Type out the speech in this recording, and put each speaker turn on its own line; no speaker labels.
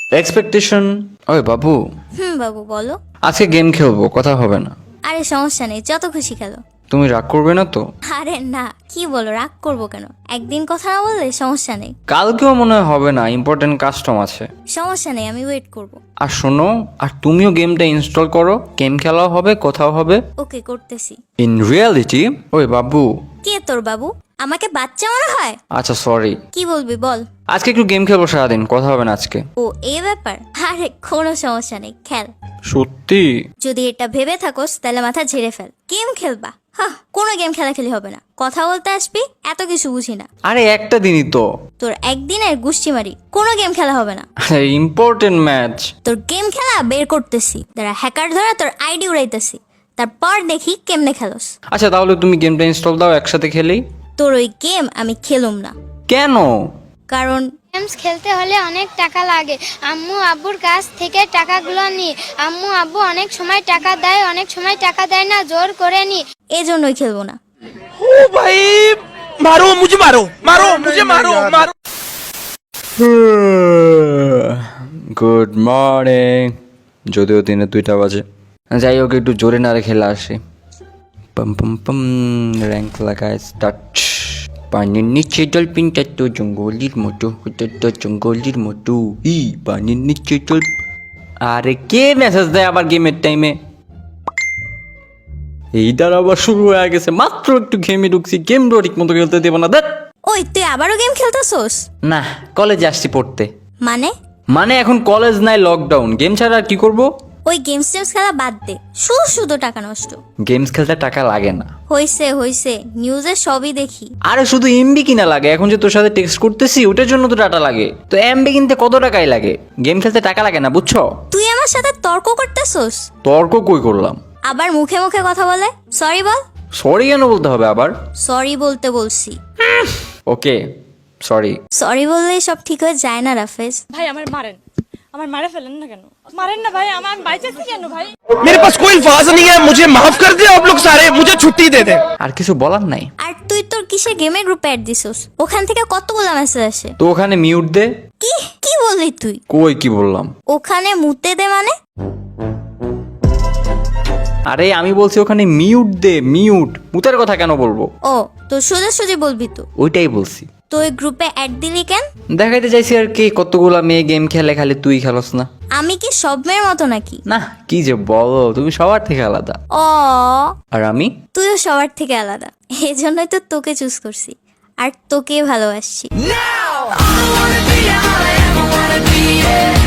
Expectation. ওই বাবু,
বাবু বলো।
আজকে গেম খেলবো, কথা হবে না।
আরে সমস্যা নেই, যত খুশি খেলো।
তুমি রাগ করবে না তো?
আরে না, কি বলো, রাগ করবো কেন? একদিন কথা না বললে সমস্যা নেই।
কালকেও মনে হয় হবে না, ইম্পর্টেন্ট কাস্টম আছে।
সমস্যা নেই, আমি ওয়েট করব।
আর শোনো, আর তুমিও গেমটা ইনস্টল করো, গেম খেলাও হবে, কোথাও হবে।
ওকে, করতেছি।
In reality. ওই বাবু।
কে তোর বাবু? আমাকে বাচ্চা মনে হয়?
আচ্ছা সরি।
কি বলবি বল।
আজকে একটু গেম খেলবো সারাদিন, কথা হবে না আজকে।
ও এই ব্যাপার? আরে কোনো সমস্যা নেই, খেল।
সত্যি?
যদি এটা ভেবে থাকোস তাহলে মাথা ঝেড়ে ফেল। গেম খেলবা? কোনো গেম খেলাখেলি হবে না। কথা বলতে আসবি, এত কিছু বুঝি না।
আরে একটা দিনই তো।
তোর একদিনের গুষ্টি মারি, কোনো গেম খেলা হবে না।
Important match.
তোর গেম খেলা বের করতেছি, তারা হ্যাকার ধরা তোর আইডি উড়াইতেছি, তারপর দেখি কেমনে খেলোস।
আচ্ছা তাহলে তুমি গেমটা ইনস্টল দাও, একসাথে খেলি।
তোর ওই গেম আমি খেলুম না।
কেন?
কারণ
গেমস খেলতে হলে অনেক টাকা লাগে। আম্মু আব্বুর কাছ থেকে টাকাগুলো নি। আম্মু আব্বু অনেক সময় টাকা দেয়, অনেক সময় টাকা দেয় না, জোর করে নি।
এজন্যই খেলবো না।
ओ भाई मारो मुझे, मारो मारो मुझे, मारो मारो।
Good morning. যদিও দিনে 2টা বাজে, যাই হোক একটু জোরে নাড়ে খেলে আসি। পম পম পম, র্যাঙ্ক লাগায় স্টার্ট। পানির নিচে ডলফিনটা তো জঙ্গলির মতো, ওটা তো জঙ্গলির মতো। পানির নিচে আরে কে মেসেজ দেয় আবার গেমের টাইমে? এইটার আবার শুরু হয়ে গেছে, মাত্র একটু গেমে ঢুকছি, গেমটা ঠিক মতো খেলতে দেবো না। দেখ
ওই তুই আবারও গেম খেলতেছোস?
না, কলেজে আসছি পড়তে।
মানে?
মানে এখন কলেজ নাই, লকডাউন, গেম ছাড়া আর কি করব?
ওই গেমস টেমস খেলা বাদ দে, শুধু শুধু টাকা নষ্ট।
গেমস খেলতে টাকা লাগে না।
হইছে নিউজে সবই দেখি।
আরে শুধু এমবি কিনা লাগে, এখন যে তোর সাথে টেক্সট করতেছি ওটার জন্য তো ডাটা লাগে, তো এমবি কিনতে কত টাকাই লাগে, গেম খেলতে টাকা লাগে না, বুঝছো?
তুই আমার সাথে তর্ক করতেছোস?
তর্ক কই করলাম?
আবার মুখে মুখে কথা বলে। সরি বল।
সরি কেন বলতে হবে আবার?
সরি বলতে বলছি।
ওকে সরি।
সরি বললেই সব ঠিক হয়ে যায় না রাফেজ।
ভাই আমার মারেন, আমার মারে ফেলেন না কেন? মারেন না ভাই, আমার বাইচাচ্ছি কেন ভাই?
मेरे पास कोई अल्फाज नहीं है, मुझे माफ कर दे आप लोग सारे, मुझे छुट्टी दे दे।
আর কিছু বলার নাই।
আর তুই তোর কিসে গেমের গ্রুপে অ্যাড দিছস? ওখান থেকে কতগুলো মেসেজ আসে।
তো ওখানে মিউট দে।
কি কি বললি তুই?
কই কি বললাম?
ওখানে মুতে দে মানে?
আরে আমি বলছি ওখানে মিউট দে, মিউট। মুতের কথা কেন বলবো?
ও তো সোজাসুজি বলবি তো?
ওইটাই বলছি।
তো ওই গ্রুপে অ্যাড দিলি কেন?
দেখাইতে চাইছি আর কি, কতগুলা মেয়ে গেম খেলে, খালি তুই খেলস না।
আমি কি সব মেয়ের মতো নাকি?
না কি যে বলো, তুমি সবার থেকে আলাদা।
ও
আর আমি?
তুইও সবার থেকে আলাদা, এজন্যই তো তোকে চুজ করছি আর তোকে ভালোবাসছি।
Now I wanna be all I ever wanna be, yeah.